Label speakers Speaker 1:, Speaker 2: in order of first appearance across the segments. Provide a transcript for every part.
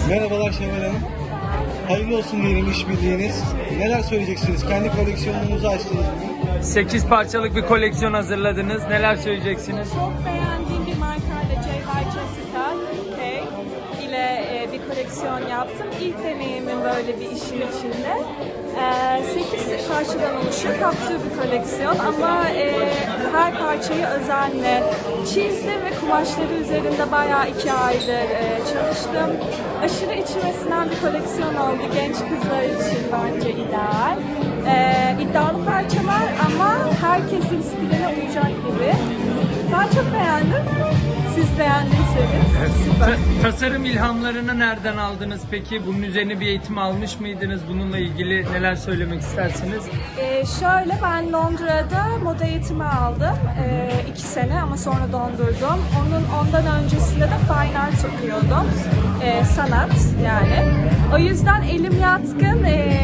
Speaker 1: Merhabalar Şevval Hanım. Hayırlı olsun diyelim işbirliğiniz. Neler söyleyeceksiniz? Kendi koleksiyonunuzu açtınız bugün.
Speaker 2: 8 parçalık bir koleksiyon hazırladınız. Neler söyleyeceksiniz?
Speaker 3: Çok beğendiğim bir markayla J. Jessica K ile bir koleksiyon yaptım. İlk deneyimim böyle bir işin içinde. 8 parçadan oluşuyor. Kapsül bir koleksiyon ama her parçayı özenle çizdim ve kumaşları üzerinde bayağı 2 aydır çalıştım. Aşırı içime sinen bir koleksiyon oldu. Genç kızlar için bence ideal. İddialı parçalar ama herkesin stiline uyacak gibi. Ben çok beğendim. Siz beğendiyseniz süper.
Speaker 2: Tasarım ilhamlarını nereden aldınız peki? Bunun üzerine bir eğitim almış mıydınız? Bununla ilgili neler söylemek istersiniz?
Speaker 3: Şöyle ben Londra'da moda eğitimi aldım. 2 sene ama sonra dondurdum. Ondan öncesinde de fine art okuyordum. Sanat yani. O yüzden elim yatkın.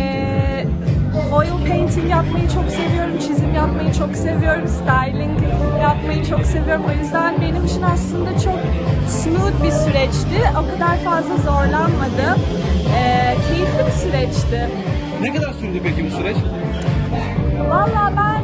Speaker 3: Oil painting yapmayı çok seviyorum, çizim yapmayı çok seviyorum, styling yapmayı çok seviyorum. O yüzden benim için aslında çok smooth bir süreçti. O kadar fazla zorlanmadım. Keyifli bir süreçti.
Speaker 1: Ne kadar sürdü peki bu süreç?
Speaker 3: Valla ben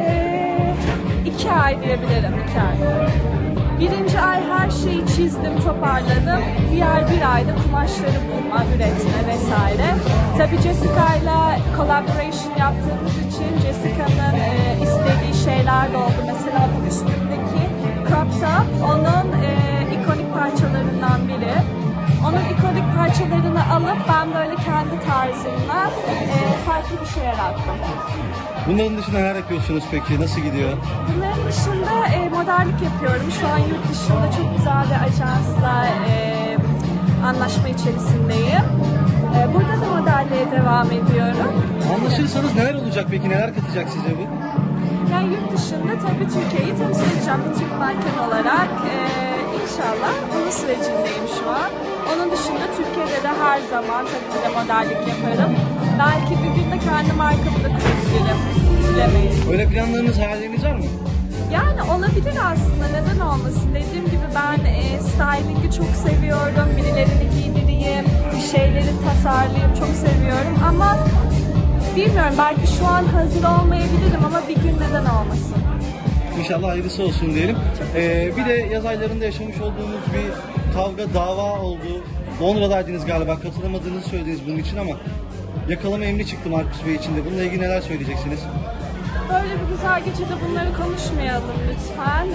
Speaker 3: 2 ay diyebilirim, 2 ay. Birinci ay her şeyi çizdim, toparladım. Diğer bir ayda kumaşları bulma, üretme vesaire. Tabii Jessica ile collaboration yaptığımız için Jessica'nın istediği şeyler de oldu. Mesela bu üstündeki crop top onun ikonik parçalarından biri. Onun ikonik parçalarını alıp ben böyle kendi tarzımla farklı bir şey yarattım.
Speaker 1: Bunların dışında neler yapıyorsunuz peki? Nasıl gidiyor?
Speaker 3: Bunların dışında modellik yapıyorum. Şu an yurt dışında çok güzel bir ajansla anlaşma içerisindeyim. Burada da modelliğe devam ediyorum.
Speaker 1: Anlaşırsanız neler olacak peki? Neler katacak size bu?
Speaker 3: Yani yurt dışında tabii Türkiye'yi temsil edeceğim bir Türk manken olarak. İnşallah onun sürecindeyim şu an. Onun dışında Türkiye'de de her zaman tabii ki de modellik yaparım. Belki bir gün de kendi markamı da kurabilirim. Bilemeyiz.
Speaker 1: Öyle planlarınız, hayalleriniz var mı?
Speaker 3: Yani olabilir aslında, neden olmasın. Dediğim gibi ben stylingi çok seviyorum. Birilerini giydireyim, bir şeyleri tasarlayayım çok seviyorum. Ama bilmiyorum, belki şu an hazır olmayabilirim ama bir gün neden olmasın.
Speaker 1: İnşallah hayırlısı olsun diyelim. Bir de yaz aylarında yaşamış olduğumuz bir kavga, dava oldu. Londra'daydınız galiba, katılamadığınızı söylediniz bunun için ama yakalama emri çıktı Marcus Bey için de. Bununla ilgili neler söyleyeceksiniz?
Speaker 3: Böyle bir güzel gecede bunları konuşmayalım lütfen.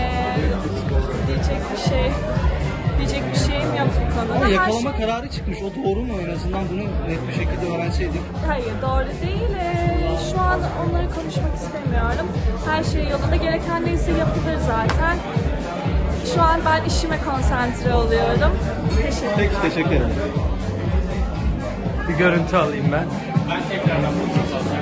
Speaker 3: Diyecek bir şeyim yok bu konuda.
Speaker 1: Ama yakalama kararı çıkmış. O doğru mu? En azından bunu net bir şekilde öğrenseydik.
Speaker 3: Hayır, doğru değil. Şu an onları konuşmak istemiyorum. Her şey yolunda. Gereken neyse yapılır zaten. Şu an ben işime konsantre oluyorum. Teşekkür ederim.
Speaker 1: Peki, teşekkür ederim.
Speaker 2: Bir görüntü alayım ben.